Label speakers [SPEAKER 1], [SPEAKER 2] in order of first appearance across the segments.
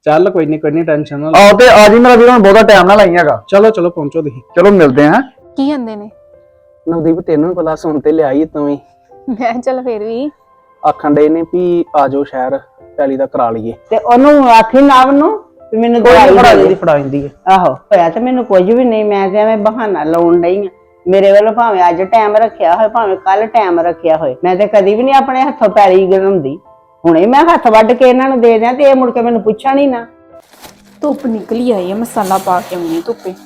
[SPEAKER 1] ਚੱਲ ਕੋਈ ਨਹੀਂ ਟੈਨਸ਼ਨ ਨਾ
[SPEAKER 2] ਆਓ ਤੇ ਆ ਜੀ ਮੇਰਾ ਵੀਰ, ਹੁਣ ਬਹੁਤਾ ਟਾਈਮ ਨਾ ਲਾਈ ਹੈਗਾ।
[SPEAKER 1] ਚਲੋ ਪਹੁੰਚੋ ਤੁਸੀਂ।
[SPEAKER 2] ਚਲੋ ਮਿਲਦੇ ਆਂ।
[SPEAKER 3] ਕੀ ਕਹਿੰਦੇ ਨੇ?
[SPEAKER 1] ਨਵਦੀਪ ਤੈਨੂੰ ਵੀ ਪਤਾ ਸੁਣ ਤੇ ਲਿਆਈ ਤੂੰ ਵੀ।
[SPEAKER 3] ਮੈਂ ਚੱਲ ਫੇਰ ਵੀ
[SPEAKER 1] ਆਖਣ ਦੇ ਨੇ ਵੀ ਆ ਜਾਓ ਸ਼ਹਿਰ ਪੈਲੀ ਦਾ ਕਰਾ ਲਈਏ।
[SPEAKER 4] ਤੇ ਉਹਨੂੰ ਆਖੀ ਨਾਵ ਨੂੰ ਵੀ ਮੈਨੂੰ
[SPEAKER 1] ਕੋਈ
[SPEAKER 4] ਦਵਾਈ
[SPEAKER 1] ਫੜਾ
[SPEAKER 4] ਦੇ
[SPEAKER 1] ਜਾਂਦੀ
[SPEAKER 4] ਦੇ।
[SPEAKER 1] ਫੜਾ ਜਾਂਦੀ ਹੈ।
[SPEAKER 4] ਆਹੋ ਹੋਇਆ ਤੇ ਮੈਨੂੰ ਕੁਝ ਵੀ ਨਹੀਂ, ਮੈਂ ਤੇ ਐਵੇਂ ਬਹਾਨਾ ਲਾਉਣ ਡਈ ਆ। ਮੇਰੇ ਵੱਲੋਂ ਭਾਵੇਂ ਅੱਜ ਟਾਈਮ ਰੱਖਿਆ ਹੋਏ ਭਾਵੇਂ ਕੱਲ ਟਾਈਮ ਰੱਖਿਆ ਹੋਏ, ਮੈਂ ਤੇ ਕਦੀ ਵੀ ਨਹੀਂ ਆਪਣੇ ਹੱਥੋਂ ਪੈਲੀ ਗਣਾਉਂਦੀ। ਹੁਣੇ ਮੈਂ ਹੱਥ ਵੱਢ ਕੇ ਇਹਨਾਂ ਨੂੰ ਦੇ ਦਿਆਂ ਤੇ ਇਹ ਮੁੜ ਕੇ ਮੈਨੂੰ ਪੁੱਛਣ ਹੀ ਨਾ।
[SPEAKER 3] ਧੁੱਪ ਨਿਕਲੀ ਆਈ ਹੈ, ਮਸਾਲਾ ਪਾ ਕੇ ਆਉਣੀ ਧੁੱਪੇ।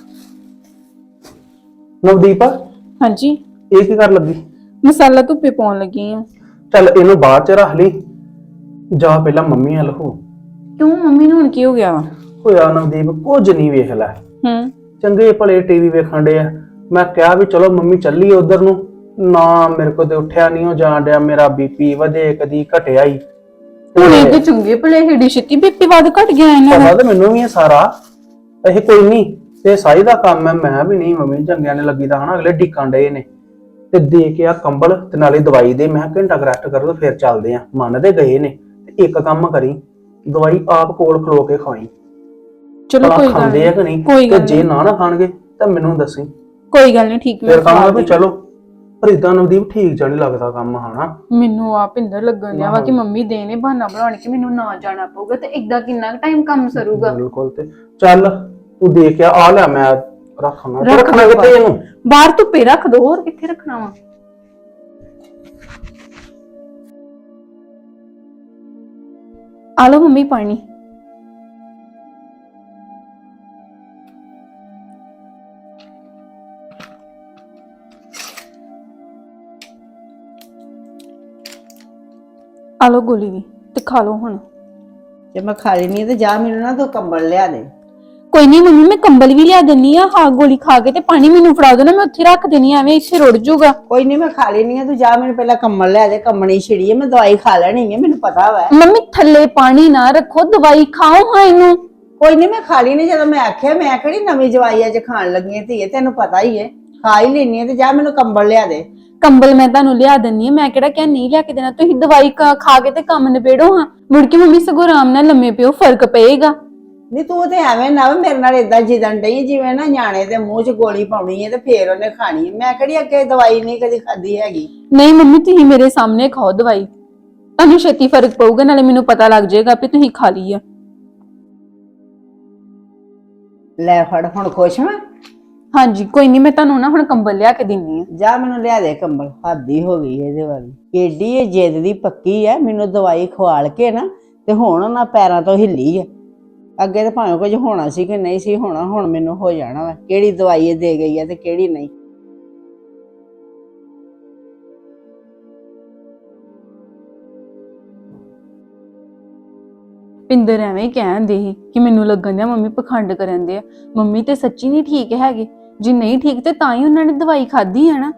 [SPEAKER 1] ਨਵਦੀਪ
[SPEAKER 3] ਹਾਂਜੀ,
[SPEAKER 1] ਇਹ ਕੀ ਕਰ ਲੱਗੀ?
[SPEAKER 3] ਮਸਾਲਾ ਧੁੱਪੇ ਪਾਉਣ ਲੱਗੀ ਆ।
[SPEAKER 1] ਚੱਲ ਇਹਨੂੰ ਬਾਅਦ ਚ ਰੱਖ ਲਈ, ਜਾ ਪਹਿਲਾਂ ਮੰਮੀ ਵੱਲ ਹੋ।
[SPEAKER 3] ਕਿਉਂ ਮੰਮੀ ਨੂੰ ਹੁਣ ਕੀ ਹੋ ਗਿਆ ਵਾ?
[SPEAKER 1] ਹੋਇਆ ਨਵਦੀਪ ਕੁਝ ਨਹੀਂ, ਵੇਖ ਲੈ ਚੰਗੇ ਭਲੇ ਟੀਵੀ ਵੇਖਣ ਡੇ ਆ। ਮੈਂ ਕਿਹਾ ਵੀ ਚਲੋ ਮੰਮੀ ਚੱਲੀ ਉਧਰ ਨੂੰ, ਨਾ ਮੇਰੇ ਕੋਲ ਤੇ ਉੱਠਿਆ ਨਹੀਂ ਉਹ ਜਾਣ ਡਿਆ। ਮੇਰਾ ਬੀਪੀ ਵਧੇ ਕਦੀ ਘਟਿਆ ਹੀ।
[SPEAKER 3] ਹੁਣ ਇਹ ਤੇ ਚੰਗੇ ਭਲੇ ਹਿੱਡੀ ਛਿੱਤੀ ਬੀਪੀ ਵੱਧ ਘਟ ਗਿਆ ਇਹਨਾਂ ਦਾ।
[SPEAKER 1] ਪਤਾ ਤੇ ਮੈਨੂੰ ਵੀ ਇਹ ਸਾਰਾ, ਇਹ ਕੋਈ ਨਹੀਂ ਤੇ ਸਾਈ ਦਾ ਕੰਮ ਹੈ। ਮੈਂ ਵੀ ਨਹੀਂ ਮੰਮੀ ਚੰਗਿਆਂ ਨੇ ਲੱਗੀ ਦਾ ਹਨਾ, ਅਗਲੇ ਢਿੱਕਾਂ ਡੇ ਨੇ ਤੇ ਦੇ ਕੇ ਆ ਕੰਬਲ ਤੇ ਨਾਲੇ ਦਵਾਈ ਦੇ। ਮੈਂ ਘੰਟਾ ਰੈਸਟ ਕਰੋ ਤੇ ਫਿਰ ਚੱਲਦੇ ਆ। ਮੰਨਦੇ ਗਏ ਨੇ ਤੇ ਇੱਕ ਕੰਮ ਕਰੀ, ਦਵਾਈ ਆਪ ਕੋਲ ਖਲੋ ਕੇ ਖਾਈ।
[SPEAKER 3] ਚਲੋ ਕੋਈ ਗੱਲ
[SPEAKER 1] ਖਾਂਦੇ ਆ ਕਿ ਨਹੀਂ, ਤੇ ਜੇ ਨਾ ਖਾਣਗੇ ਤਾਂ ਮੈਨੂੰ ਦੱਸੀ।
[SPEAKER 3] ਕੋਈ ਗੱਲ ਨਹੀਂ, ਠੀਕ
[SPEAKER 1] ਫਿਰ ਕਹਾਂਗਾ ਵੀ ਚਲੋ। ਪਰ ਇਦਾਂ ਨਵਦੀਪ ਠੀਕ ਜਿਹਾ ਨਹੀਂ ਲੱਗਦਾ ਕੰਮ ਹਨਾ।
[SPEAKER 3] ਮੈਨੂੰ ਆਪ ਇੰਦਰ ਲੱਗਣ ਲਿਆ ਵਾ ਕਿ ਮੰਮੀ ਦੇ ਨੇ ਬਹਾਨਾ ਬਣਾਉਣ ਕਿ ਮੈਨੂੰ ਨਾ ਜਾਣਾ ਪਊਗਾ, ਤੇ ਇਦਾਂ ਕਿੰਨਾ ਟਾਈਮ ਕੰਮ ਸਰੂਗਾ।
[SPEAKER 1] ਬਿਲਕੁਲ। ਤੇ ਚੱਲ ਤੂੰ ਦੇਖ ਆ ਲੈ, ਮੈਂ ਰੱਖਣਾ ਕਿੱਥੇ ਇਹਨੂੰ?
[SPEAKER 3] ਬਾਹਰ ਧੁੱਪੇ ਰੱਖ ਦੋ, ਹੋਰ ਕਿੱਥੇ ਰੱਖਣਾ ਵਾ। ਆ ਲਓ ਮੰਮੀ ਪਾਣੀ। ਆ ਲਓ ਗੋਲੀ ਵੀ ਤੇ ਖਾ ਲਓ ਹੁਣ।
[SPEAKER 4] ਜੇ ਮੈਂ ਖਾ ਲੈਣੀ ਤੇ ਜਾ ਮੈਨੂੰ ਨਾ ਤੂੰ ਕੰਬਲ ਲਿਆ ਦੇ।
[SPEAKER 3] ਕੋਈ ਨਹੀਂ ਮੰਮੀ, ਮੈਂ ਕੰਬਲ ਵੀ ਲਿਆ ਦਿੰਨੀ ਆ। ਹਾਂ ਗੋਲੀ ਖਾ ਕੇ ਤੇ ਪਾਣੀ ਮੈਨੂੰ ਫੜਾ ਦੋ ਨਾ, ਮੈਂ ਉੱਥੇ ਰੱਖ ਦੇਣੀ ਐਵੇਂ ਇੱਥੇ ਰੁੜ ਜਾਊਗਾ।
[SPEAKER 4] ਕੋਈ ਨਹੀਂ ਮੈਂ ਖਾ ਲੈਣੀ ਆ, ਤੂੰ ਜਾ ਮੈਨੂੰ ਪਹਿਲਾਂ ਕੰਬਲ ਲਿਆ ਦੇ। ਕੰਬਣੀ ਛਿੜੀ ਹੈ, ਮੈਂ ਦਵਾਈ ਖਾ ਲੈਣੀ ਹੈ, ਮੈਨੂੰ ਪਤਾ ਵਾ।
[SPEAKER 3] ਮੰਮੀ ਥੱਲੇ ਪਾਣੀ ਨਾ ਰੱਖੋ, ਦਵਾਈ ਖਾਓ ਹਾਂ ਇਹਨੂੰ।
[SPEAKER 4] ਕੋਈ ਨਹੀਂ ਮੈਂ ਖਾ ਲੈਣੀ, ਜਦੋਂ ਮੈਂ ਆਖਿਆ। ਮੈਂ ਕਿਹੜੀ ਨਵੀਂ ਜਵਾਈ ਅੱਜ ਖਾਣ ਲੱਗੀ ਧੀਏ, ਤੈਨੂੰ ਪਤਾ ਹੀ ਹੈ। ਖਾ ਹੀ ਲੈਣੀ ਹੈ ਤੇ ਜਾ ਮੈਨੂੰ ਕੰਬਲ ਲਿਆ ਦੇ।
[SPEAKER 3] ਕੰਬਲ ਮੈਂ ਤੁਹਾਨੂੰ ਲਿਆ ਦਿੰਨੀ ਆ, ਮੈਂ ਕਿਹੜਾ ਕਿਹਾ ਨਹੀਂ ਲਿਆ ਕੇ ਦੇਣਾ। ਤੁਸੀਂ ਦਵਾਈ ਖਾ ਕੇ ਤੇ ਕੰਮ ਨਿਬੇੜੋ ਹਾਂ। ਮੁੜ ਕੇ ਮੰਮੀ ਸਗੋਂ ਆਰਾਮ ਨਾਲ ਲੰਮੇ ਪਿਓ, ਫਰਕ ਪਏਗਾ।
[SPEAKER 4] ਨਹੀਂ ਤੂੰ ਤੇ ਐਵੇਂ ਨਾ ਮੇਰੇ ਨਾਲ ਏਦਾਂ ਜਿੱਦਣ ਡਈ ਜਿਵੇਂ ਨਾ ਨਿਆਣੇ ਦੇ ਮੂੰਹ 'ਚ ਗੋਲੀ ਪਾਉਣੀ ਹੈ ਤੇ ਫੇਰ ਉਹਨੇ ਖਾਣੀ ਹੈ। ਮੈਂ ਕਿਹੜੀ ਅੱਗੇ ਦਵਾਈ ਨਹੀਂ ਕਦੀ ਖਾਦੀ ਹੈਗੀ।
[SPEAKER 3] ਨਹੀਂ ਮੰਮੀ, ਤੁਸੀਂ ਮੇਰੇ ਸਾਹਮਣੇ ਖਾਓ ਦਵਾਈ, ਤੁਹਾਨੂੰ ਛੇਤੀ ਫਰਕ ਪਊਗਾ, ਨਾਲੇ ਮੈਨੂੰ ਪਤਾ ਲੱਗ ਜਾਏਗਾ ਵੀ ਤੁਸੀਂ ਖਾ ਲਈ ਆ।
[SPEAKER 4] ਲੈ ਫੜ, ਹੁਣ ਖੁਸ਼ ਮੈਂ।
[SPEAKER 3] ਹਾਂਜੀ ਕੋਈ ਨਹੀਂ, ਮੈਂ ਤੁਹਾਨੂੰ ਨਾ ਹੁਣ ਕੰਬਲ ਲਿਆ ਕੇ ਦਿੰਨੀ ਆ।
[SPEAKER 4] ਜਾ ਮੈਨੂੰ ਲਿਆ ਦੇ ਕੰਬਲ। ਹੱਦ ਹੀ ਹੋ ਗਈ ਇਹਦੇ ਵਾਲੀ, ਏਡੀ ਇਹ ਜਿੱਦ ਦੀ ਪੱਕੀ ਹੈ। ਮੈਨੂੰ ਦਵਾਈ ਖਵਾਲ ਕੇ ਨਾ ਤੇ ਹੁਣ ਉਹਨਾਂ ਪੈਰਾਂ ਤੋਂ ਹਿੱਲੀ ਹੈ। ਅੱਗੇ ਤਾਂ ਭਾਵੇਂ ਕੁਝ ਹੋਣਾ ਸੀ ਕਿ ਨਹੀਂ ਸੀ ਹੋਣਾ, ਹੁਣ ਮੈਨੂੰ ਹੋ ਜਾਣਾ ਵਾ। ਕਿਹੜੀ ਦਵਾਈ ਇਹ ਦੇ ਗਈ ਹੈ ਤੇ ਕਿਹੜੀ ਨਹੀਂ।
[SPEAKER 3] ਪਿੰਦਰ ਐਵੇਂ ਹੀ ਕਹਿੰਦੇ ਸੀ ਕਿ ਮੈਨੂੰ ਲੱਗਣ ਦਿਆ ਮੰਮੀ ਪਖੰਡ ਕਰਨ ਦੇ ਆ। ਮੰਮੀ ਤੇ ਸੱਚੀ ਨਹੀਂ ਠੀਕ ਹੈਗੇ। ਜੇ ਨਹੀਂ ਠੀਕ ਤੇ ਤਾਂ ਹੀ ਉਹਨਾਂ ਨੇ ਦਵਾਈ ਖਾਧੀ ਹੈ ਨਾ।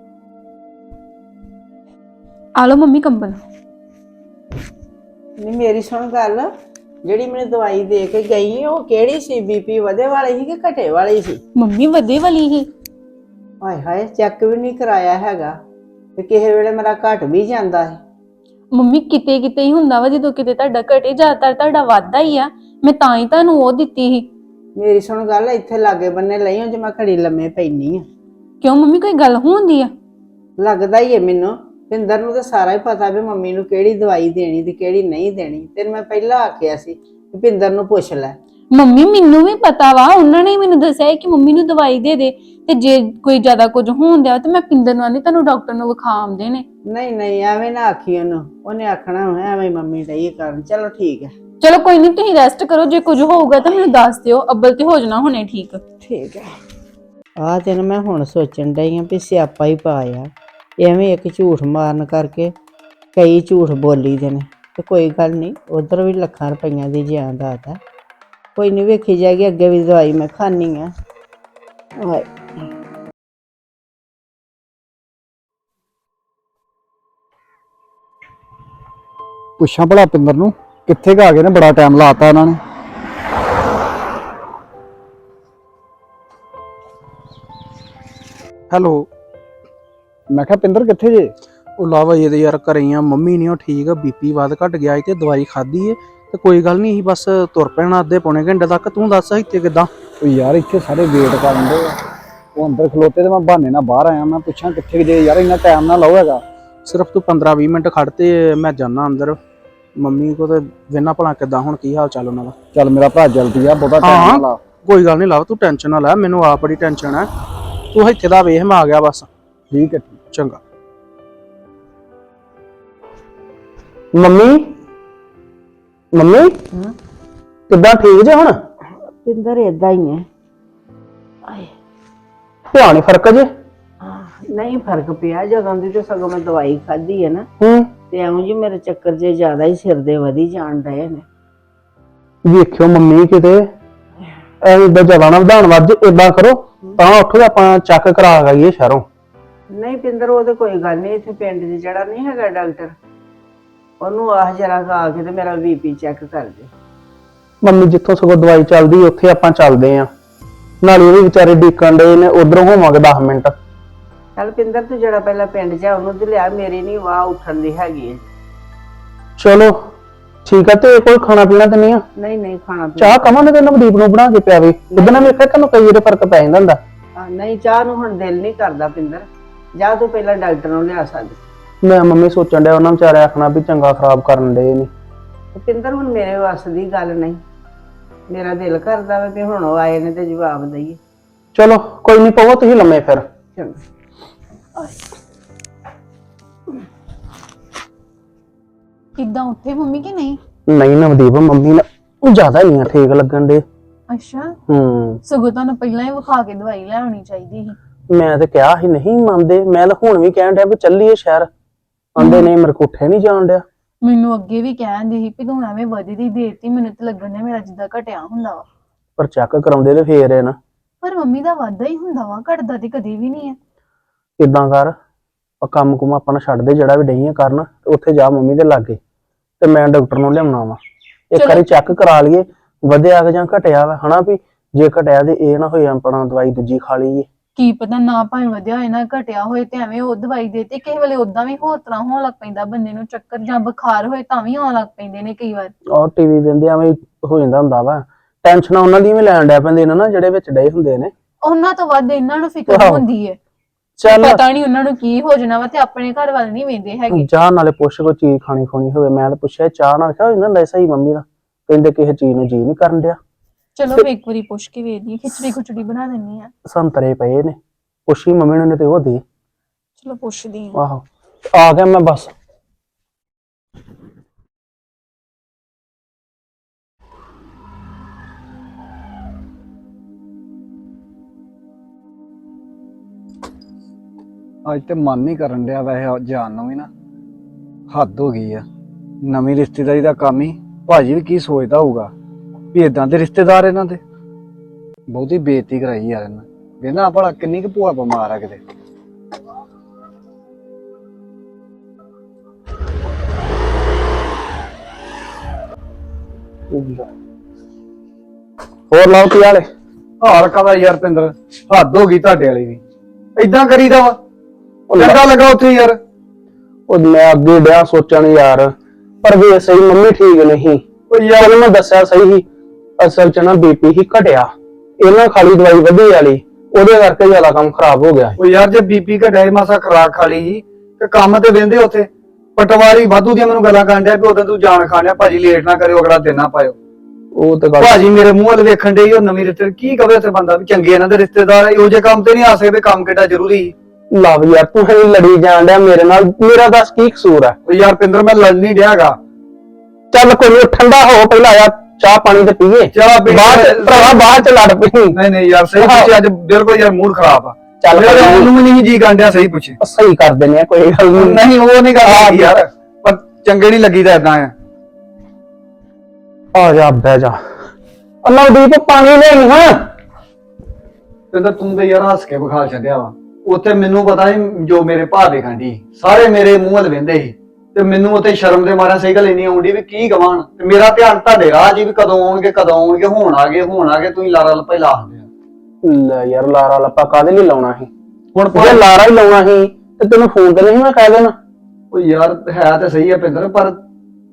[SPEAKER 3] ਆ ਲਓ ਮੰਮੀ ਕੰਬਲ।
[SPEAKER 4] ਨਹੀਂ ਮੇਰੀ ਸੁਣ ਗੱਲ, ਜਿਹੜੀ ਮੈਨੂੰ ਦਵਾਈ ਦੇ ਕੇ ਗਈ ਉਹ ਕਿਹੜੀ ਸੀ? ਬੀਪੀ ਵਧੇ ਵਾਲੀ ਸੀ ਕਿ ਘਟੇ ਵਾਲੀ ਸੀ?
[SPEAKER 3] ਮੰਮੀ ਵਧੇ ਵਾਲੀ ਹੀ।
[SPEAKER 4] ਹਾਏ ਹਾਏ, ਚੈੱਕ ਵੀ ਨਹੀਂ ਕਰਾਇਆ ਹੈਗਾ ਤੇ ਕਿਸੇ ਵੇਲੇ ਮੇਰਾ ਘਟ ਵੀ ਜਾਂਦਾ ਹੈ।
[SPEAKER 3] ਮੰਮੀ ਕਿਤੇ ਕਿਤੇ ਹੀ ਹੁੰਦਾ ਵਾ, ਜਦੋਂ ਕਿਤੇ ਤੁਹਾਡਾ ਘਟੇ, ਜ਼ਿਆਦਾਤਰ ਤੁਹਾਡਾ ਵਾਧਾ ਹੀ ਆ। ਮੈਂ ਤਾਂ ਹੀ ਤੁਹਾਨੂੰ ਉਹ ਦਿੱਤੀ ਸੀ।
[SPEAKER 4] ਮੇਰੀ ਸੁਣ ਗੱਲ, ਇੱਥੇ ਲਾਗੇ ਬੰਨੇ ਲਈ ਜੇ ਮੈਂ ਘੜੀ ਲੰਮੇ ਪੈਣੀ ਆ।
[SPEAKER 3] ਕਿਉਂ ਮੰਮੀ, ਕੋਈ ਗੱਲ ਹੁੰਦੀ ਆ?
[SPEAKER 4] ਲੱਗਦਾ ਹੀ ਹੈ ਮੈਨੂੰ। ਪਿੰਦਰ ਨੂੰ ਤਾਂ ਸਾਰਾ ਹੀ ਪਤਾ ਵੀ ਮੰਮੀ ਨੂੰ ਕਿਹੜੀ ਦਵਾਈ ਦੇਣੀ ਤੇ ਕਿਹੜੀ ਨਹੀਂ ਦੇਣੀ। ਤੈਨੂੰ ਮੈਂ ਪਹਿਲਾਂ ਆਖਿਆ ਸੀ ਕਿ ਪਿੰਦਰ ਨੂੰ ਪੁੱਛ ਲੈ।
[SPEAKER 3] ਮੰਮੀ ਮੈਨੂੰ ਵੀ ਪਤਾ ਵਾ, ਉਹਨਾਂ ਨੇ ਮੈਨੂੰ ਦੱਸਿਆ ਕਿ ਮੰਮੀ ਨੂੰ ਦਵਾਈ ਦੇ ਦੇ, ਤੇ ਜੇ ਕੋਈ ਜ਼ਿਆਦਾ ਕੁਝ ਹੋਣ ਦਿਆ ਤੇ ਮੈਂ ਪਿੰਦਰ ਨੂੰ ਆਨੀ ਤੁਹਾਨੂੰ ਡਾਕਟਰ ਨੂੰ ਵਿਖਾ ਆਉਂਦੇ ਨੇ।
[SPEAKER 4] ਨਹੀਂ ਨਹੀਂ ਐਵੇਂ ਨਾ ਆਖੀ ਉਹਨੂੰ, ਉਹਨੇ ਆਖਣਾ ਐਵੇਂ ਮੰਮੀ ਡਈ ਕਰਨ। ਚਲੋ ਠੀਕ ਹੈ।
[SPEAKER 3] ਚਲੋ ਕੋਈ ਨਹੀਂ, ਤੁਸੀਂ ਰੈਸਟ ਕਰੋ, ਜੇ ਕੁਝ ਹੋਊਗਾ ਤਾਂ ਮੈਨੂੰ ਦੱਸ ਦਿਓ। ਅੱਬਲ ਤੇ ਹੋ ਜਾਣਾ ਹੁਣੇ ਠੀਕ।
[SPEAKER 4] ਠੀਕ ਹੈ। ਆਹ ਤੈਨੂੰ ਮੈਂ ਹੁਣ ਸੋਚਣ ਡਈ ਆ ਵੀ ਸਿਆਪਾ ਹੀ ਪਾਇਆ। ਐਵੇਂ ਇੱਕ ਝੂਠ ਮਾਰਨ ਕਰਕੇ ਕਈ ਝੂਠ ਬੋਲੀ ਦੇ ਨੇ। ਤੇ ਕੋਈ ਗੱਲ ਨਹੀਂ, ਉਧਰ ਵੀ ਲੱਖਾਂ ਰੁਪਈਆਂ ਦੀ ਜਾਇਦਾਦ ਆ। ਕੋਈ ਨਹੀਂ, ਵੇਖੀ ਜਾਏਗੀ। ਅੱਗੇ ਵੀ ਦਵਾਈ ਮੈਂ ਖਾਣੀ ਆ।
[SPEAKER 2] ਪੁੱਛਾਂ ਭਲਾ ਪਿੰਦਰ ਨੂੰ ਕਿੱਥੇ ਆ ਗਏ ਨੇ, ਬੜਾ ਟਾਈਮ ਲਾਤਾ ਇਹਨਾਂ ਨੇ।
[SPEAKER 1] ਹੈਲੋ,
[SPEAKER 2] ਮੈਂ ਕਿਹਾ ਪਿੰਦਰ ਕਿੱਥੇ ਜੇ?
[SPEAKER 1] ਉਹ ਲਾਵਾ ਇਹਦੇ ਯਾਰ ਘਰੇ ਆ। ਮੰਮੀ ਨਹੀਂ ਉਹ ਠੀਕ ਆ, ਬੀਪੀ ਵੱਧ ਘਟ ਗਿਆ ਤੇ ਦਵਾਈ ਖਾਧੀ ਏ ਤੇ ਕੋਈ ਗੱਲ ਨਹੀਂ, ਅਸੀਂ ਬਸ ਤੁਰ ਪੈਣਾ ਅੱਧੇ ਪੌਣੇ ਘੰਟੇ ਤੱਕ। ਤੂੰ ਦੱਸ ਇੱਥੇ ਕਿੱਦਾਂ?
[SPEAKER 2] ਉਹ ਯਾਰ ਇੱਥੇ ਸਾਰੇ ਵੇਟ ਕਰਨ ਦੇ ਉਹ ਅੰਦਰ ਖਲੋਤੇ ਤੇ ਮੈਂ ਬਹਾਨੇ ਨਾਲ ਬਾਹਰ ਆਇਆ। ਮੈਂ ਪੁੱਛਾਂ ਕਿੱਥੇ ਜੇ ਯਾਰ ਇੰਨਾ ਟਾਈਮ ਨਾ ਲਾਓ ਹੈਗਾ।
[SPEAKER 1] ਸਿਰਫ ਤੂੰ 15-20 ਮਿੰਟ ਖੜ ਤੇ ਮੈਂ ਜਾਣਾ ਅੰਦਰ। ਮੰਮੀ ਕੋ ਤੇ ਵੇਨਾ ਭਲਾ ਕਿੱਦਾਂ, ਹੁਣ ਕੀ ਹਾਲ ਚਾਲ ਉਹਨਾਂ ਦਾ?
[SPEAKER 2] ਚੱਲ ਮੇਰਾ ਭਰਾ ਜਲਦੀ ਆ, ਬਹੁਤਾ ਟਾਈਮ ਨਾ ਲਾ।
[SPEAKER 1] ਕੋਈ ਗੱਲ ਨਹੀਂ ਲਾਭ, ਤੂੰ ਟੈਨਸ਼ਨ ਨਾ ਲੈ, ਮੈਨੂੰ ਆਪ ਬੜੀ ਟੈਨਸ਼ਨ ਹੈ। ਤੂੰ ਇੱਥੇ ਦਾ ਵੇਖ, ਮੈਂ ਆ ਗਿਆ ਬਸ।
[SPEAKER 2] ਠੀਕ ਹੈ।
[SPEAKER 1] ਚੰਗਾ। ਮੰਮੀ ਮੰਮੀ ਕਿੱਦਾਂ, ਠੀਕ ਜੇ ਹੁਣ?
[SPEAKER 4] ਪਿੰਦਰ ਏਦਾਂ ਹੀ ਹੈ। ਆਏ
[SPEAKER 1] ਧਿਆਨ ਹੀ ਫਰਕ ਜੇ?
[SPEAKER 4] ਨਹੀਂ ਫਰਕ ਪਿਆ, ਜਦੋਂ ਦੀ ਤੇ ਸਗੋਂ ਮੈਂ ਦਵਾਈ ਖਾਧੀ ਹੈ ਨਾ,
[SPEAKER 1] ਹੂੰ।
[SPEAKER 4] ਤੇ ਐਵੇਂ ਜੀ ਮੇਰੇ ਚੱਕਰ ਜੇ ਜ਼ਿਆਦਾ ਹੀ ਸਿਰ ਦੇ ਵਧੀ ਜਾਣ ਡਏ ਨੇ।
[SPEAKER 1] ਵੇਖਿਓ ਮੰਮੀ ਕਿਤੇ ਐਵੇਂ ਇਦਾਂ ਜ਼ਿਆਦਾ ਨਾ ਵਧਾਉਣ ਵੱਜ, ਏਦਾਂ ਕਰੋ ਤਾਂ ਉੱਠੋ, ਆਪਾਂ ਚੈੱਕ ਕਰਾ ਗਈਏ ਸ਼ਹਿਰੋਂ।
[SPEAKER 4] ਨਹੀਂ ਪਿੰਦਰ ਉਹ ਤੇ ਕੋਈ ਗੱਲ ਨਹੀਂ, ਇੱਥੇ ਪਿੰਡ 'ਚ ਜਿਹੜਾ ਨਹੀਂ ਹੈਗਾ ਡਾਕਟਰ, ਉਹਨੂੰ ਆਹ ਜਰਾ ਆ ਕੇ ਤੇ ਮੇਰਾ ਬੀਪੀ ਚੈੱਕ ਕਰ ਦੇ।
[SPEAKER 1] ਮੰਮੀ ਜਿੱਥੋਂ ਸਗੋਂ ਦਵਾਈ ਚੱਲਦੀ ਉੱਥੇ ਆਪਾਂ ਚੱਲਦੇ ਆਂ, ਨਾਲੇ ਉਹ ਵੀ ਵਿਚਾਰੇ ਡੀਕਣ ਦੇ ਨੇ, ਉਧਰੋਂ ਹੋਵਾਂਗੇ 10 ਮਿੰਟ।
[SPEAKER 4] ਚੱਲ ਪਿੰਦਰ ਤੂੰ ਜਿਹੜਾ ਪਹਿਲਾਂ ਪਿੰਡ 'ਚ ਆ ਉਹਨੂੰ ਤੇ ਲਿਆ, ਮੇਰੀ ਨਹੀਂ ਵਾਹ ਉੱਠਣ ਦੀ ਹੈਗੀ ਹੈ।
[SPEAKER 1] ਚਲੋ ਠੀਕ ਆ। ਤੇ ਕੋਈ ਖਾਣਾ ਪੀਣਾ ਤੇ ਨਹੀਂ ਆ?
[SPEAKER 4] ਨਹੀਂ ਨਹੀਂ ਖਾਣਾ ਪੀਣਾ
[SPEAKER 1] ਚਾਹ ਕਵਾਂਗੇ ਤੇ ਨਵਦੀਪ ਨੂੰ ਬਣਾ ਕੇ ਪਿਆਵੇ, ਉਹਦੇ ਨਾਲ ਵੇਖਿਆ ਤੈਨੂੰ ਕਈ ਵਾਰ ਫਰਕ ਪੈ ਜਾਂਦਾ ਹੁੰਦਾ।
[SPEAKER 4] ਨਹੀਂ ਚਾਹ ਨੂੰ ਹੁਣ ਦਿਲ ਨਹੀਂ ਕਰਦਾ ਪਿੰਦਰ, ਜਾ ਤੂੰ ਪਹਿਲਾਂ ਡਾਕਟਰ ਨੂੰ ਲਿਆ ਸਕਦੀ।
[SPEAKER 1] ਮੈਂ ਮੰਮੀ ਸੋਚਣ ਡਿਆ ਉਹਨਾਂ ਵਿਚਾਰੇ ਆਖਣਾ ਵੀ ਚੰਗਾ ਖਰਾਬ ਕਰਨ ਦੇ ਨੇ।
[SPEAKER 4] ਪਿੰਦਰ ਹੁਣ ਮੇਰੇ ਵੱਸ ਦੀ ਗੱਲ ਨਹੀਂ, ਮੇਰਾ ਦਿਲ ਕਰਦਾ ਵਾ ਵੀ ਹੁਣ ਉਹ ਆਏ ਨੇ ਤੇ ਜਵਾਬ ਦਈਏ।
[SPEAKER 1] ਚਲੋ ਕੋਈ ਨਹੀਂ, ਪਵੋ ਤੁਸੀਂ ਲੰਮੇ ਫਿਰ।
[SPEAKER 4] ਚੰਗਾ।
[SPEAKER 3] ਕਿੱਦਾਂ ਉੱਠੇ ਮੰਮੀ ਕਿ ਨਹੀਂ?
[SPEAKER 1] ਨਹੀਂ ਨਵਦੀਪ, ਮੰਮੀ ਨਾ ਜ਼ਿਆਦਾ ਨਹੀਂ ਠੀਕ ਲੱਗਣ ਦੇ।
[SPEAKER 3] ਅੱਛਾ,
[SPEAKER 1] ਹੂੰ।
[SPEAKER 3] ਸਗੋਂ ਤੁਹਾਨੂੰ ਪਹਿਲਾਂ ਹੀ ਵਿਖਾ ਕੇ ਦਵਾਈ ਲੈ ਆਉਣੀ ਚਾਹੀਦੀ ਸੀ।
[SPEAKER 1] ਮੈਂ ਤੇ ਕਿਹਾ ਸੀ ਨਹੀਂ ਮੰਨਦੇ, ਮੈਂ ਤਾਂ ਹੁਣ ਵੀ ਕਹਿਣ ਡਿਆ ਵੀ ਚੱਲੀਏ ਸ਼ਹਿਰ, ਆਂਦੇ ਨਹੀਂ ਮੇਰੇ ਕੋਲ ਉੱਠੇ ਨਹੀਂ ਜਾਣ ਡਿਆ।
[SPEAKER 3] ਮੈਨੂੰ ਅੱਗੇ ਵੀ ਕਹਿੰਦੇ ਸੀ ਵੀ ਤੂੰ ਐਵੇਂ ਵਧਦੀ ਦੇਤੀ, ਮੈਨੂੰ ਤੇ ਲੱਗਣ ਡਿਆ ਮੇਰਾ ਜਿੱਦਾਂ ਘਟਿਆ ਹੁੰਦਾ ਵਾ।
[SPEAKER 1] ਪਰ ਚੈੱਕ ਕਰਾਉਂਦੇ ਤੇ ਫੇਰ ਹੈ ਨਾ।
[SPEAKER 3] ਪਰ ਮੰਮੀ ਦਾ ਵਾਧਾ ਹੀ ਹੁੰਦਾ ਵਾ, ਘਟਦਾ ਤੇ ਕਦੇ ਵੀ ਨਹੀਂ ਹੈ।
[SPEAKER 1] ਕਿੱਦਾਂ ਕਰ, ਕੰਮ ਕੁਮ ਆਪਾਂ ਨੂੰ ਛੱਡ ਦੇ, ਜਿਹੜਾ ਵੀ ਡਈਆਂ ਕਰਨ, ਉੱਥੇ ਜਾ ਮੰਮੀ ਦੇ ਲਾਗੇ ਤੇ ਮੈਂ ਡਾਕਟਰ ਨੂੰ ਲਿਆਉਣਾ ਵਾ। ਇੱਕ ਵਾਰੀ ਚੈੱਕ ਕਰਾ ਲਈਏ ਵਧਿਆ ਕਿ ਜਾਂ ਘਟਿਆ ਵਾ, ਹਨਾ ਵੀ ਜੇ ਘਟਿਆ ਤੇ ਇਹ ਨਾ ਹੋਏ ਆਪਣਾ ਦਵਾਈ ਦੂਜੀ ਖਾ ਲਈਏ।
[SPEAKER 3] ਕੀ ਪਤਾ ਨਾ ਭਾਵੇਂ ਵਧਿਆ ਹੋਏ ਨਾ ਘਟਿਆ ਹੋਏ, ਤੇ ਐਵੇਂ ਉਹ ਦਵਾਈ ਦੇਤੀ, ਕਿਸੇ ਵੇਲੇ ਉਦਾਂ ਵੀ ਹੋਰ ਤਰ੍ਹਾਂ ਹੋਣ ਲੱਗ ਪੈਂਦਾ ਬੰਦੇ ਨੂੰ, ਚੱਕਰ ਜਾਂ ਬੁਖਾਰ ਹੋਏ ਤਾਂ ਵੀ ਆਉਣ ਲੱਗ ਪੈਂਦੇ ਨੇ ਕਈ ਵਾਰ।
[SPEAKER 1] ਔਰ ਟੀਵੀ ਵੇਂਦੇ ਐਵੇਂ ਹੋ ਜਾਂਦਾ ਹੁੰਦਾ ਵਾ, ਟੈਨਸ਼ਨ ਉਹਨਾਂ ਦੀ ਵੀ ਲੈਣ ਡੈ ਪੈਂਦੇ ਨੇ ਨਾ ਜਿਹੜੇ ਵਿੱਚ ਡਏ ਹੁੰਦੇ ਨੇ।
[SPEAKER 3] ਉਹਨਾਂ ਤੋਂ ਵੱਧ ਇਹਨਾਂ ਨੂੰ ਫਿਕਰ ਹੁੰਦੀ ਹੈ।
[SPEAKER 1] ਚੱਲ
[SPEAKER 3] ਪਤਾ ਨਹੀਂ ਉਹਨਾਂ ਨੂੰ ਕੀ ਹੋ ਜਾਣਾ ਵਾ, ਤੇ ਆਪਣੇ ਘਰ ਵੱਲ ਨਹੀਂ ਵੇਂਦੇ ਹੈਗੇ।
[SPEAKER 1] ਚਾਹ ਨਾਲੇ ਪੁੱਛ ਕੋਈ ਚੀਜ਼ ਖਾਣੀ ਖੋਣੀ ਹੋਵੇ, ਮੈਂ ਤਾਂ ਪੁੱਛਿਆ ਚਾਹ ਨਾਲ ਕਿਹਾ ਹੋ ਜਾਂਦਾ ਸਹੀ ਮੰਮੀ ਦਾ, ਕਹਿੰਦੇ ਕਿਸੇ ਚੀਜ਼ ਨੂੰ ਜੀ ਨਹੀਂ ਕਰਨ ਡਿਆ।
[SPEAKER 3] ਚਲੋ ਮੈਂ ਇੱਕ ਵਾਰੀ ਪੁੱਛ ਕੇ ਵੇਖਦੀ, ਖਿਚੜੀ ਖੁਚੜੀ ਬਣਾ ਦਿੰਨੀ ਆ।
[SPEAKER 1] ਸੰਤਰੇ ਪਏ ਨੇ, ਪੁੱਛੀ ਮੰਮੀ ਨੂੰ, ਨੇ ਤੇ ਉਹ ਦੇ।
[SPEAKER 3] ਚਲੋ ਪੁੱਛਦੀ ਆ।
[SPEAKER 1] ਆਹੋ ਆ ਗਿਆ ਮੈਂ ਬਸ।
[SPEAKER 2] ਅੱਜ ਤੇ ਮਨ ਨਹੀਂ ਕਰਨ ਡਿਆ ਵੈਸੇ ਜਾਣ ਨੂੰ ਵੀ ਨਾ, ਹੱਦ ਹੋ ਗਈ ਆ। ਨਵੀਂ ਰਿਸ਼ਤੇਦਾਰੀ ਦਾ ਕੰਮ ਹੀ, ਭਾਜੀ ਵੀ ਕੀ ਸੋਚਦਾ ਹੋਊਗਾ ਵੀ ਇਦਾਂ ਦੇ ਰਿਸ਼ਤੇਦਾਰ ਇਹਨਾਂ ਦੇ। ਬਹੁਤੀ ਬੇਇੱਜ਼ਤੀ ਕਰਾਈ ਯਾਰ ਇਹਨਾਂ, ਵੇਖਣਾ ਭਲਾ ਕਿੰਨੀ ਕੁ ਭੂਆ ਬਿਮਾਰ ਆ ਕਿਤੇ।
[SPEAKER 1] ਹੋਰ ਲਾਓ ਕੀ ਹਾਲੇ?
[SPEAKER 2] ਹਾਲ ਕਾਹਦਾ ਯਾਰ ਪਿੰਦਰ, ਹੱਦ ਹੋ ਗਈ ਤੁਹਾਡੇ ਵਾਲੀ ਵੀ, ਏਦਾਂ ਕਰੀਦਾ ਵਾ। ਚੰਗਾ ਲੱਗਾ ਉੱਥੇ ਯਾਰ।
[SPEAKER 1] ਉਹ ਮੈਂ ਅੱਗੇ ਡਿਆ ਸੋਚਣ ਯਾਰ, ਪਰ ਵੇ ਸਹੀ ਮੰਮੀ ਠੀਕ ਨਹੀਂ। ਉਹ ਯਾਰ ਮੈਂ ਦੱਸਿਆ ਸਹੀ ਸੀ, ਅਸਲ ਚ ਨਾ ਬੀਪੀ ਹੀ ਘਟਿਆ, ਇਹਨਾਂ ਖਾਲੀ ਦਵਾਈ ਵਧੀ ਵਾਲੀ, ਉਹਦੇ ਕਰਕੇ ਜ਼ਿਆਦਾ ਕੰਮ ਖਰਾਬ ਹੋ ਗਿਆ।
[SPEAKER 2] ਉਹ ਯਾਰ ਜੇ ਬੀਪੀ ਘਟਿਆ ਮਾਸਾ ਖਰਾਕ ਖਾ ਲਈ ਤੇ ਕੰਮ ਤੇ ਵਹਿੰਦੇ ਉੱਥੇ। ਪਟਵਾਰੀ ਵਾਧੂ ਦੀਆਂ ਮੈਨੂੰ ਗੱਲਾਂ ਕਰਨ ਡਿਆ ਵੀ ਉਦੋਂ ਤੂੰ ਜਾਣ ਖਾਣਿਆ, ਭਾਜੀ ਲੇਟ ਨਾ ਕਰਿਓ, ਅਗਲਾ ਦਿਨ ਨਾ ਪਾਇਓ।
[SPEAKER 1] ਉਹ ਤੇ ਗੱਲ
[SPEAKER 2] ਭਾਜੀ ਮੇਰੇ ਮੂੰਹ ਵੱਲ ਵੇਖਣ ਦੇ, ਉਹ ਨਵੀਂ ਰਿਸ਼ਤੇ ਕੀ ਕਵੇ ਉੱਥੇ ਬੰਦਾ ਵੀ ਚੰਗੇ ਇਹਨਾਂ ਦੇ ਰਿਸ਼ਤੇਦਾਰ, ਇਹੋ ਜਿਹੇ ਕੰਮ ਤੇ ਨਹੀਂ ਆ ਸਕਦੇ। ਕੰਮ ਕਿੱਡਾ ਜ਼ਰੂਰੀ।
[SPEAKER 1] ਲਵ ਯਾਰ ਤੂੰ ਹੀ ਲੜੀ ਜਾਣ ਡਿਆ ਮੇਰੇ ਨਾਲ, ਮੇਰਾ ਦੱਸ ਕੀ ਕਸੂਰ ਹੈ?
[SPEAKER 2] ਉਹ ਯਾਰ ਪਿੰਦਰ ਮੈਂ ਲੜ ਨਹੀਂ ਡਿਆਗਾ।
[SPEAKER 1] ਚੱਲ ਕੋਈ ਨੀ, ਠੰਡਾ ਹੋ ਪਹਿਲਾਂ ਯਾਰ, ਚਾਹ ਪਾਣੀ ਤੇ ਪੀਏ,
[SPEAKER 2] ਚਾਹ ਪੀ
[SPEAKER 1] ਭਰਾਵਾ ਬਾਅਦ ਚ ਲੜ ਪਈ।
[SPEAKER 2] ਨਹੀਂ ਯਾਰ ਸਹੀ ਪੁੱਛੇ, ਅੱਜ ਬਿਲਕੁਲ ਯਾਰ ਮੂਡ ਖਰਾਬ ਆ।
[SPEAKER 1] ਚੱਲ
[SPEAKER 2] ਉਹਨੂੰ ਵੀ ਨਹੀਂ ਜੀ ਗਾਂਡਿਆ, ਸਹੀ ਪੁੱਛੇ।
[SPEAKER 1] ਸਹੀ ਕਰ ਦਿੰਦੇ ਆ, ਕੋਈ ਗੱਲ ਨਹੀਂ।
[SPEAKER 2] ਨਹੀਂ ਉਹ ਨਹੀਂ ਗੱਲ ਯਾਰ, ਪਰ ਚੰਗੇ ਨਹੀਂ ਲੱਗੀਦਾ ਏਦਾਂ ਆ।
[SPEAKER 1] ਆ ਜਾ ਬਹਿ ਜਾ। ਨਵਦੀਪ ਪਾਣੀ ਨਹੀਂ ਹਾਂ।
[SPEAKER 2] ਪਿੰਦਰ ਤੂੰ ਤੇ ਯਾਰ ਹੱਸ ਕੇ ਵਿਖਾ ਛੱਡਿਆ ਵਾ। ਉੱਥੇ ਮੈਨੂੰ ਪਤਾ ਨਹੀਂ ਜੋ ਮੇਰੇ ਭਾ ਦੇ ਖਾਂਦੀ, ਸਾਰੇ ਮੇਰੇ ਮੂੰਹ ਵੱਲ ਵੇਂਦੇ ਸੀ, ਤੇ ਮੈਨੂੰ ਉੱਥੇ ਸ਼ਰਮ ਦੇ ਮਾਰਿਆ ਸਹੀ ਗੱਲ ਇੰਨੀ ਆਉਂਦੀ ਵੀ ਕੀ ਕਵਾਂ। ਤੇ ਮੇਰਾ ਧਿਆਨ ਤੁਹਾਡੇ ਰਾਹ ਜੀ ਵੀ ਕਦੋਂ ਆਉਣਗੇ ਕਦੋਂ ਆਉਣਗੇ, ਹੁਣ ਆ ਗਏ ਤੁਸੀਂ ਲਾਰਾ ਲੱਪਾ ਹੀ ਲਾ ਦਿੰਦੇ ਆ।
[SPEAKER 1] ਲੈ ਯਾਰ ਲਾਰਾ ਲੱਪਾ ਕਾਹਦੇ ਲਈ ਲਾਉਣਾ ਸੀ? ਹੁਣ ਜੇ ਲਾਰਾ ਹੀ ਲਾਉਣਾ ਸੀ ਤੇ ਤੈਨੂੰ ਫੋਨ ਤੇ ਨਹੀਂ ਮੈਂ ਕਹਿ ਦੇਣਾ।
[SPEAKER 2] ਉਹ ਯਾਰ ਹੈ ਤਾਂ ਸਹੀ ਆ ਪਿੰਦਰ, ਪਰ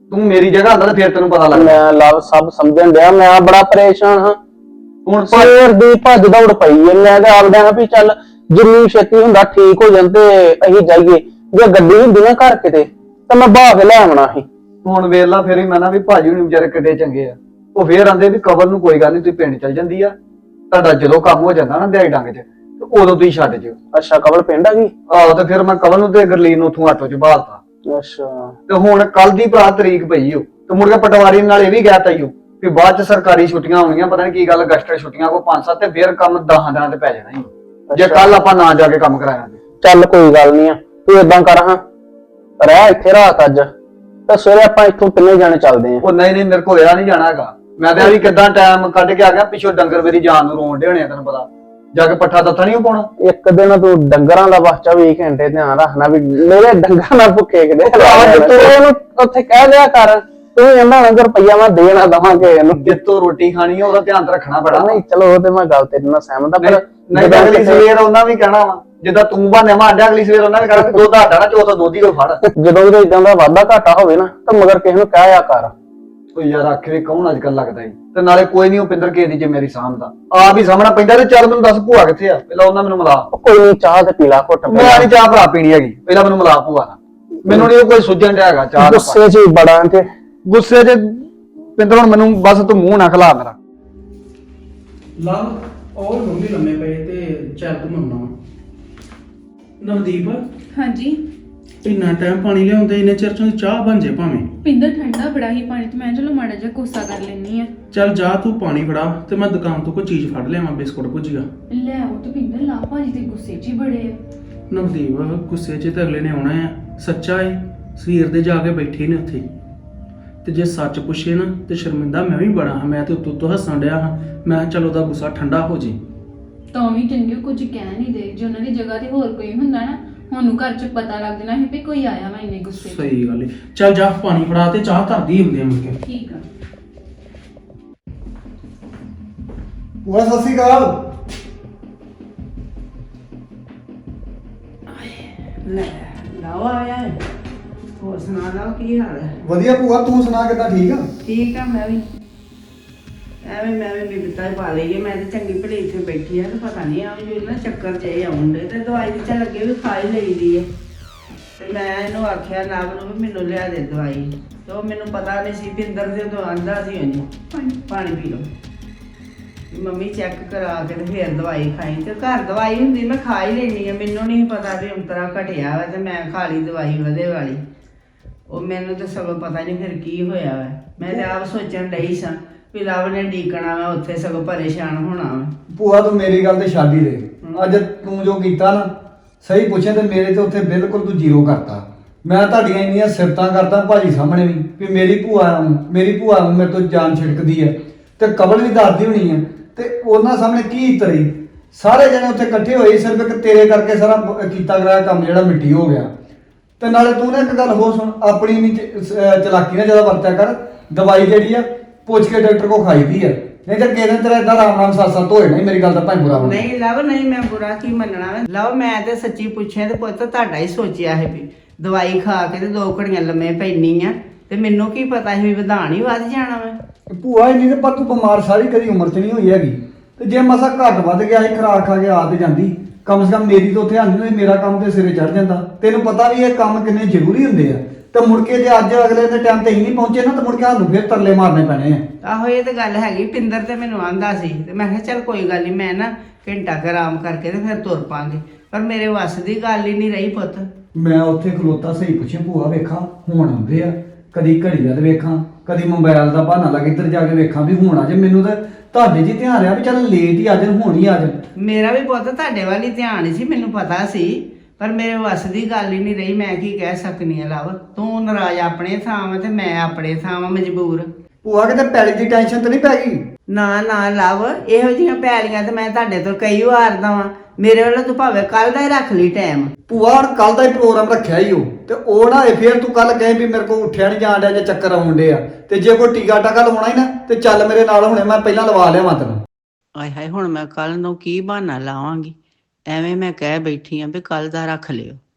[SPEAKER 2] ਤੂੰ ਮੇਰੀ ਜਗ੍ਹਾ ਹੁੰਦਾ ਤਾਂ ਫਿਰ ਤੈਨੂੰ ਪਤਾ ਲੱਗਦਾ।
[SPEAKER 1] ਮੈਂ ਲਵ ਸਭ ਸਮਝਣ ਡਿਆ, ਮੈਂ ਬੜਾ ਪਰੇਸ਼ਾਨ ਹਾਂ।
[SPEAKER 2] ਹੁਣ
[SPEAKER 1] ਸਵੇਰ ਦੀ ਭੱਜ ਦੌੜ ਪਈ ਐ। ਮੈਂ ਤਾਂ ਆਪਦਿਆਂ ਨਾਲ ਵੀ ਚੱਲ ਜਿੰਨੀ ਛੇਤੀ ਹੁੰਦਾ ਠੀਕ ਹੋ ਜਾਂਦੇ ਅਸੀਂ ਜਾਈਏ। ਜੇ ਗੱਡੀ ਹੁੰਦੀ ਨਾ ਘਰ ਕਿਤੇ ਤਾਂ ਮੈਂ ਬਾਹ ਕੇ ਲੈ ਆਉਣਾ ਸੀ।
[SPEAKER 2] ਹੁਣ ਵੇਲਾ ਫਿਰ ਵੀ ਮੈਂ ਨਾ ਵੀ ਭਾਜੀ ਹੁਣੀ ਵਿਚਾਰੇ ਕਿੱਡੇ ਚੰਗੇ ਆ। ਉਹ ਫੇਰ ਆਂਦੇ ਵੀ ਕਵਲ ਨੂੰ ਕੋਈ ਗੱਲ ਨਹੀਂ, ਤੁਸੀਂ ਪਿੰਡ ਚਲ ਜਾਂਦੀ ਆ, ਤੁਹਾਡਾ ਜਦੋਂ ਕੰਮ ਹੋ ਜਾਂਦਾ ਨਾ ਦਿਹਾੜੀ ਡੰਗ 'ਚ ਤੇ ਉਦੋਂ ਤੁਸੀਂ ਛੱਡ ਜਿਓ।
[SPEAKER 1] ਅੱਛਾ ਕਵਲ ਪਿੰਡ ਆ ਗਈ?
[SPEAKER 2] ਆਹੋ ਤੇ ਫਿਰ ਮੈਂ ਕਵਲ ਨੂੰ ਤੇ ਗਰਲੀਨ ਨੂੰ ਉੱਥੋਂ ਆਟੋ 'ਚ ਬਾਹਰਤਾ।
[SPEAKER 1] ਅੱਛਾ
[SPEAKER 2] ਤੇ ਹੁਣ ਕੱਲ ਦੀ ਭਰਾ ਤਰੀਕ ਪਈ ਓ ਤੇ ਮੁੜ ਕੇ ਪਟਵਾਰੀ ਨਾਲ ਇਹ ਵੀ ਗਿਆ ਤਾਈਓ ਵੀ ਬਾਅਦ 'ਚ ਸਰਕਾਰੀ ਛੁੱਟੀਆਂ ਹੋਣੀਆਂ, ਪਤਾ ਨਹੀਂ ਕੀ ਗੱਲ ਅਗਸਟ ਛੁੱਟੀਆਂ ਕੋ 5-7 ਤੇ ਫਿਰ ਕੰਮ 10 ਦਿਨਾਂ ਤੇ ਪੈ ਜਾਣਾ ਹੀ ਜੇ ਕੱਲ ਆਪਾਂ ਨਾ ਜਾ ਕੇ ਕੰਮ ਕਰਾਇਆ।
[SPEAKER 1] ਚੱਲ ਕੋਈ ਗੱਲ ਨਹੀਂ ਆ, ਤੂੰ ਏਦਾਂ ਕਰ ਹਾਂ ਰਹਿ ਇੱਥੇ ਰਾਤ ਅੱਜ ਤੇ ਸਵੇਰੇ ਆਪਾਂ ਇੱਥੋਂ ਤਿੰਨੇ ਜਾਣੇ ਚੱਲਦੇ ਆਂ।
[SPEAKER 2] ਉਹ ਨਹੀਂ ਮੇਰੇ ਕੋਲ ਇਹ ਨਹੀਂ ਜਾਣਾ ਹੈਗਾ। ਮੈਂ ਤਾਂ ਵੀ ਕਿੱਦਾਂ ਟਾਈਮ ਕੱਢ ਕੇ ਆ ਗਿਆ, ਪਿੱਛੋਂ ਡੰਗਰ ਮੇਰੀ ਜਾਨ ਨੂੰ ਰੋਣ ਡੇ ਹੋਣੇ ਆ, ਤੈਨੂੰ ਪਤਾ ਜਾ ਕੇ ਪੱਠਾ ਦੱਥਾ ਨਹੀਂ ਪਾਉਣਾ।
[SPEAKER 1] ਇੱਕ ਦਿਨ ਤੂੰ ਡੰਗਰਾਂ ਦਾ ਬਸ 24 ਘੰਟੇ ਧਿਆਨ ਰੱਖਣਾ ਵੀ ਮੇਰੇ ਡੰਗਰਾਂ ਨਾਲ ਭੁੱਖੇ ਕਿਤੇ ਤੂੰ ਉਹਨੂੰ ਉੱਥੇ ਕਹਿ ਦਿਆ ਕਰ, ਤੂੰ ਕਹਿੰਦਾ ਨਾ ਰੁਪਈਆ ਮੈਂ ਦੇਣਾ ਦਵਾਂਗੇ ਇਹਨੂੰ,
[SPEAKER 2] ਜਿੱਤੋਂ ਰੋਟੀ ਖਾਣੀ ਆ ਉਹਦਾ ਧਿਆਨ ਤਾਂ ਰੱਖਣਾ ਪੈਣਾ।
[SPEAKER 1] ਨਹੀਂ ਚਲੋ ਉਹ ਤੇ ਮੈਂ ਗੱਲ ਤੇਰੇ ਨਾਲ ਸਹਿਮਤ ਆ, ਪਰ
[SPEAKER 2] ਨਹੀਂ ਤਾਂ ਅਗਲੀ ਸਵੇਰ ਉਹਨਾਂ ਵੀ ਕਹਿਣਾ ਵਾ ਜਿੱਦਾਂ ਤੂੰ ਬਾਨੇ ਮਾਂਡਿਆ, ਅਗਲੀ ਸਵੇਰ ਉਹਨਾਂ ਵੀ ਕਹਿਣਾ ਦੁੱਧ ਆਟਾ ਨਾ ਚੋਥਾ ਦੁੱਧ ਹੀ ਕੋ ਫੜ।
[SPEAKER 1] ਜਦੋਂ ਵੀ ਇਦਾਂ ਦਾ ਵਾਧਾ ਘਾਟਾ ਹੋਵੇ ਨਾ ਤਾਂ ਮਗਰ ਕਿਸੇ ਨੂੰ ਕਹਿਆ ਕਰ।
[SPEAKER 2] ਉਹ ਯਾਰ ਆਖੇ ਕੌਣ ਅੱਜ ਕੱਲ ਲੱਗਦਾ ਈ, ਤੇ ਨਾਲੇ ਕੋਈ ਨਹੀਂ ਉਹ ਪਿੰਦਰ ਕੇ ਦੀ ਜ਼ਿੰਮੇਵਾਰੀ ਸਾਂਭਦਾ, ਆਪ ਹੀ ਸਾਹਮਣਾ ਪੈਂਦਾ। ਤੇ ਚੱਲ ਮੈਨੂੰ ਦੱਸ ਭੂਆ ਕਿੱਥੇ ਆ, ਪਹਿਲਾਂ ਉਹਨਾਂ ਮੈਨੂੰ ਮਿਲਾ।
[SPEAKER 1] ਕੋਈ ਨਹੀਂ ਚਾਹ ਤੇ ਪੀਲਾ ਘੁੱਟ।
[SPEAKER 2] ਮੈਂ ਨਹੀਂ ਚਾਹ ਭਰਾ ਪੀਣੀ ਹੈਗੀ, ਪਹਿਲਾਂ ਮੈਨੂੰ ਮਿਲਾ ਭੂਆ ਨਾਲ। ਮੈਨੂੰ ਨਹੀਂ ਕੋਈ ਸੁਝਣ ਡਿਆ ਹੈਗਾ ਚਾਹ ਦਾ।
[SPEAKER 1] ਗੁੱਸੇ 'ਚ ਹੀ ਬੜਾ ਤੇ
[SPEAKER 2] ਗੁੱਸੇ 'ਚ ਪਿੰਦਰ ਹੁਣ ਮੈਨੂੰ ਬਸ ਤੂੰ ਮੂੰਹ ਨਾ ਖਲਾ ਮੇਰਾ।
[SPEAKER 1] ਲਵ ਔਰ ਮੰਮੀ ਲੰਮੇ ਪਏ ਤੇ ਚੱਲ ਤੂੰ ਮੰਨਣਾ ਨਵਦੀਪ
[SPEAKER 3] ਹਾਂਜੀ
[SPEAKER 1] ਇੰਨਾ ਟਾਈਮ ਪਾਣੀ ਲਿਆਉਂਦੇ ਇੰਨੇ ਚਿਰ ਚ ਚਾਹ ਬਣ ਜੇ ਭਾਵੇਂ।
[SPEAKER 3] ਪਿੰਦਰ ਠੰਡਾ ਬੜਾ ਹੀ ਪਾਣੀ ਤੇ ਮੈਂ ਚਲੋ ਮਾੜਾ ਜਿਹਾ ਕੋਸਾ ਕਰ ਲੈਣੀ ਆ।
[SPEAKER 1] ਚੱਲ ਜਾ ਤੂੰ ਪਾਣੀ ਫੜਾ ਤੇ ਮੈਂ ਦੁਕਾਨ ਤੋਂ ਕੋਈ ਚੀਜ਼ ਫੜ ਲਿਆਵਾਂ, ਬਿਸਕੁਟ ਭੁਜੀਆ।
[SPEAKER 3] ਲੈ ਉਹ ਤੇ ਪਿੰਦਰ ਲਾ ਭਾਜੀ ਤੇ ਗੁੱਸੇ 'ਚ ਹੀ ਬੜੇ ਆ।
[SPEAKER 1] ਨਵਦੀਪ ਗੁੱਸੇ 'ਚ ਤਾਂ ਅਗਲੇ ਨੇ ਆਉਣਾ ਆ, ਸੱਚਾ ਏ ਸਵੇਰ ਦੇ ਜਾ ਕੇ ਬੈਠੇ ਨੇ ਉੱਥੇ ਤੇ ਜੇ ਸੱਚ ਪੁੱਛੇ ਨਾ ਤੇ ਸ਼ਰਮਿੰਦਾ ਮੈਂ ਵੀ ਬੜਾ ਹਾਂ। ਮੈਂ ਤੇ ਉੱਤੋਂ ਹੱਸਣ ਡਿਆ ਹਾਂ, ਮੈਂ ਕਿਹਾ ਚਲ ਉਹਦਾ ਗੁੱਸਾ ਠੰਡਾ ਹੋ ਜੇ।
[SPEAKER 3] ਤਾਂ ਵੀ ਚੰਗੇ ਕੁਝ ਕਹਿ ਨਹੀਂ ਦੇ, ਜੇ ਉਹਨਾਂ ਦੀ ਜਗ੍ਹਾ ਤੇ ਹੋਰ ਕੋਈ ਹੁੰਦਾ ਨਾ ਉਹਨੂੰ ਘਰ 'ਚ ਪਤਾ ਲੱਗ ਜਾਣਾ ਸੀ ਵੀ ਕੋਈ ਆਇਆ ਵਾ ਇੰਨੇ ਗੁੱਸੇ 'ਚ।
[SPEAKER 1] ਸਹੀ ਗੱਲ ਏ। ਚੱਲ ਜਾ ਪਾਣੀ ਫੜਾ ਤੇ ਚਾਹ ਧਰਦੀ ਹੁੰਦੇ ਆ ਮੁੜ ਕੇ।
[SPEAKER 3] ਠੀਕ ਆ।
[SPEAKER 2] ਭੂਆ ਸਤਿ ਸ਼੍ਰੀ ਅਕਾਲ।
[SPEAKER 4] ਲੈ ਲਾਓ ਆਇਆ ਹੈ। ਹੋਰ ਸੁਣਾ ਲਾਓ ਕੀ ਹਾਲ ਹੈ?
[SPEAKER 2] ਵਧੀਆ ਭੂਆ, ਤੂੰ ਸੁਣਾ ਕਿੱਦਾਂ? ਠੀਕ ਆ?
[SPEAKER 4] ਠੀਕ ਆ ਮੈਂ ਵੀ ਮੈਂ ਵੀ ਬਿਪਤਾ ਪਾ ਲਈ ਹੈ। ਮੈਂ ਤਾਂ ਚੰਗੀ ਭਲੀ ਇੱਥੇ ਬੈਠੀ ਆ ਤੇ ਪਤਾ ਨਹੀਂ ਆ ਜੋ ਨਾ ਚੱਕਰ ਚ ਆਉਂਦੇ ਤੇ ਦਵਾਈ ਤੇ ਚੱਲ ਅੱਗੇ ਵੀ ਖਾ ਹੀ ਲਈਦੀ ਹੈ। ਤੇ ਮੈਂ ਇਹਨੂੰ ਆਖਿਆ ਨਾਮ ਨੂੰ ਵੀ ਮੈਨੂੰ ਲਿਆ ਦੇ ਦਵਾਈ, ਤੇ ਉਹ ਮੈਨੂੰ ਪਤਾ ਨਹੀਂ ਸੀ ਪਿੰਦਰ ਦੇ ਤੋਂ ਆਂਦਾ ਸੀ ਉਹਨੂੰ ਪਾਣੀ ਪੀ ਲਓ ਮੰਮੀ ਚੈੱਕ ਕਰਾ ਕੇ ਤੇ ਫਿਰ ਦਵਾਈ ਖਾਈ। ਤੇ ਘਰ ਦਵਾਈ ਹੁੰਦੀ ਮੈਂ ਖਾ ਹੀ ਲੈਣੀ ਆ, ਮੈਨੂੰ ਨਹੀਂ ਪਤਾ ਵੀ ਅੰਤਰਾ ਘਟਿਆ ਵਾ ਤੇ ਮੈਂ ਖਾ ਲਈ ਦਵਾਈ ਵਧੇ ਵਾਲੀ। ਉਹ ਮੈਨੂੰ ਤਾਂ ਸਗੋਂ ਪਤਾ ਨਹੀਂ ਫਿਰ ਕੀ ਹੋਇਆ ਵਾ। ਮੈਂ ਤੇ ਆਪ ਸੋਚਣ ਡਈ ਸਾਂ ਵੀ ਲਵ ਨੇ ਡੀਕਣਾ ਵਾ ਉੱਥੇ, ਸਗੋਂ ਪਰੇਸ਼ਾਨ ਹੋਣਾ ਵਾ।
[SPEAKER 2] ਭੂਆ ਤੂੰ ਮੇਰੀ ਗੱਲ ਤੇ ਛੱਡ ਹੀ ਦੇ। ਅੱਜ ਤੂੰ ਜੋ ਕੀਤਾ ਨਾ ਸਹੀ ਪੁੱਛੇ ਤੇ ਮੇਰੇ ਤੇ ਉੱਥੇ ਬਿਲਕੁਲ ਤੂੰ ਜ਼ੀਰੋ ਕਰਤਾ। ਮੈਂ ਤੁਹਾਡੀਆਂ ਇੰਨੀਆਂ ਸਿਫਤਾਂ ਕਰਦਾ ਭਾਜੀ ਸਾਹਮਣੇ ਵੀ ਮੇਰੀ ਭੂਆ ਨੂੰ ਮੇਰੇ ਤੋਂ ਜਾਨ ਛਿੜਕਦੀ ਹੈ ਤੇ ਕਬਲ ਵੀ ਦੱਸਦੀ ਹੋਣੀ ਹੈ, ਤੇ ਉਹਨਾਂ ਸਾਹਮਣੇ ਕੀ ਤਰੀ ਸਾਰੇ ਜਣੇ ਉੱਥੇ ਇਕੱਠੇ ਹੋਏ ਸਿਰਫ ਇੱਕ ਤੇਰੇ ਕਰਕੇ ਸਾਰਾ ਕੀਤਾ ਗਿਆ ਕੰਮ ਜਿਹੜਾ ਮਿੱਟੀ ਹੋ ਗਿਆ। ਤੇ ਨਾਲੇ ਤੂੰ ਨਾ ਇੱਕ ਗੱਲ ਹੋਰ ਸੁਣ, ਆਪਣੀ ਨਹੀਂ ਚਲਾਕੀ ਨਾਲ ਜ਼ਿਆਦਾ ਵਰਤਿਆ ਕਰ। ਦਵਾਈ ਜਿਹੜੀ ਆ ਪੁੱਛ ਕੇ ਡਾਕਟਰ ਕੋ ਖਾਈਦੀ ਹੈ, ਨਹੀਂ ਤਾਂ ਕਿਸੇ ਦਿਨ ਤੇਰਾ ਏਦਾਂ ਰਾਮ ਸੱਤ ਹੋਏ ਨਹੀਂ। ਮੇਰੀ ਗੱਲ ਦਾ ਭਾਈ ਬੁਰਾ ਬਣ
[SPEAKER 4] ਨਹੀਂ ਲਵ ਨਹੀਂ, ਮੈਂ ਬੁਰਾ ਕੀ ਮੰਨਣਾ ਵਾ। ਲਵ ਮੈਂ ਤੇ ਸੱਚੀ ਪੁੱਛਿਆ ਤੇ ਪੁੱਤ ਤੁਹਾਡਾ ਹੀ ਸੋਚਿਆ ਹੈ ਵੀ ਦਵਾਈ ਖਾ ਕੇ ਤੇ 2 ਘੜੀਆਂ ਲੰਮੇ ਪੈਣੀ ਆ, ਤੇ ਮੈਨੂੰ ਕੀ ਪਤਾ ਸੀ ਵੀ ਵਧਾਣ ਹੀ ਵੱਧ ਜਾਣਾ ਵਾ।
[SPEAKER 2] ਭੂਆ ਇੰਨੀ ਤੇ ਪਰ ਤੂੰ ਬਿਮਾਰ ਸਾਰੀ ਕਦੀ ਉਮਰ 'ਚ ਨਹੀਂ ਹੋਈ ਹੈਗੀ, ਤੇ ਜੇ ਮਸਾ ਘੱਟ ਵੱਧ ਗਿਆ ਸੀ ਖਰਾਕ ਖਾ ਕੇ ਆ ਤੇ ਜਾਂਦੀ, ਕਮ ਸੇ ਕਮ ਮੇਰੀ ਤੋਂ ਧਿਆਨ ਨਹੀਂ, ਮੇਰਾ ਕੰਮ ਤੇ ਸਿਰੇ ਚੜ ਜਾਂਦਾ। ਤੈਨੂੰ ਪਤਾ ਵੀ ਇਹ ਕੰਮ ਕਿੰਨੇ ਜ਼ਰੂਰੀ ਹੁੰਦੇ ਆ, ਤੇ ਮੁੜ ਕੇ ਜੇ ਅੱਜ ਅਗਲੇ ਦੇ ਟਾਈਮ ਤੇ ਹੀ ਨਹੀਂ ਪਹੁੰਚੇ ਨਾ ਤੇ ਮੁੜ ਕੇ ਸਾਨੂੰ ਫਿਰ ਤਰਲੇ ਮਾਰਨੇ ਪੈਣੇ ਆ।
[SPEAKER 4] ਆਹੋ ਇਹ ਤੇ ਗੱਲ ਹੈਗੀ। ਪਿੰਦਰ ਤੇ ਮੈਨੂੰ ਆਂਦਾ ਸੀ ਤੇ ਮੈਂ ਕਿਹਾ ਚੱਲ ਕੋਈ ਗੱਲ ਨਹੀਂ, ਮੈਂ ਨਾ ਘੰਟਾ ਕੁ ਆਰਾਮ ਕਰਕੇ ਤੇ ਫਿਰ ਤੁਰ ਪਾਂਗੇ, ਪਰ ਮੇਰੇ ਵੱਸ ਦੀ ਗੱਲ ਹੀ ਨਹੀਂ ਰਹੀ ਪੁੱਤ।
[SPEAKER 2] ਮੈਂ ਉੱਥੇ ਖਲੋਤਾ ਸਹੀ ਪੁੱਛਿਆ ਭੂਆ ਵੇਖਾਂ ਹੁਣ ਆਉਂਦੇ ਆ, ਕਦੀ ਘੜੀ ਵੱਲ ਵੇਖਾਂ, ਕਦੀ ਮੋਬਾਈਲ ਦਾ ਬਹਾਨਾ ਲਾ ਕੇ ਇੱਧਰ ਜਾ ਕੇ ਵੇਖਾਂ ਵੀ ਹੁਣ ਆ ਜੇ। ਮੈਨੂੰ ਤਾਂ ਤੁਹਾਡੇ ਜੀ ਧਿਆਨ ਰਿਹਾ ਵੀ ਚੱਲ ਲੇਟ ਹੀ ਆ ਜਾਣ, ਹੁਣ ਹੀ ਆ ਜਾਣ।
[SPEAKER 4] ਮੇਰਾ ਵੀ ਪੁੱਤ ਤੁਹਾਡੇ ਵੱਲ ਹੀ ਧਿਆਨ ਸੀ, ਮੈਨੂੰ ਪਤਾ ਸੀ, ਪਰ ਮੇਰੇ ਵੱਸ ਦੀ ਗੱਲ ਹੀ ਨਹੀਂ ਰਹੀ। ਮੈਂ ਕੀ ਕਹਿ ਸਕਨੀ ਆ ਲਵ, ਤੂੰ ਨਾਰਾਜ਼ ਆਪਣੇ ਥਾਂ ਵਾ ਤੇ ਮੈਂ ਆਪਣੇ ਥਾਂ ਵਾ ਮਜਬੂਰ।
[SPEAKER 2] ਭੂਆ ਕਿਤੇ ਪੈਲੀ ਦੀ ਟੈਨਸ਼ਨ ਤੇ ਨਹੀਂ ਪੈ ਗਈ?
[SPEAKER 4] ਨਾ ਲਵ, ਇਹੋ ਜਿਹੀਆਂ ਪੈਲੀਆਂ ਤੇ ਮੈਂ ਤੁਹਾਡੇ ਤੋਂ ਕਈ ਵਾਰ ਦਾ ਵਾਂ। ਮੇਰੇ ਵੱਲੋਂ ਤੂੰ ਭਾਵੇਂ ਕੱਲ ਦਾ ਹੀ ਰੱਖ ਲਈ ਟਾਈਮ।
[SPEAKER 2] ਭੂਆ ਹੁਣ ਕੱਲ ਦਾ ਹੀ ਪ੍ਰੋਗਰਾਮ ਰੱਖਿਆ ਹੀ ਉਹ, ਤੇ ਉਹ ਨਾ ਫੇਰ ਤੂੰ ਕੱਲ ਕਹੇ ਵੀ ਮੇਰੇ ਕੋਲ ਉੱਠਿਆ ਨਹੀਂ ਜਾਣ ਡਿਆ ਜਾਂ ਚੱਕਰ ਆਉਣ ਡਿਆ, ਤੇ ਜੇ ਕੋਈ ਟੀਕਾ ਟਾਕਾ ਲਵਾਉਣਾ ਹੀ ਨਾ ਤੇ ਚੱਲ ਮੇਰੇ ਨਾਲ, ਹੁਣੇ ਮੈਂ ਪਹਿਲਾਂ ਲਵਾ ਲਿਆਵਾਂ ਤੈਨੂੰ।
[SPEAKER 4] ਆਏ ਹਾਏ ਹੁਣ ਮੈਂ ਕੱਲ ਨੂੰ ਕੀ ਬਹਾਨਾ ਲਾਵਾਂਗੀ? ਐਵੇਂ ਮੈਂ ਕਹਿ ਬੈਠੀ ਆਂ ਵੀ ਕੱਲ ਦਾ ਰੱਖ ਲਿਓ।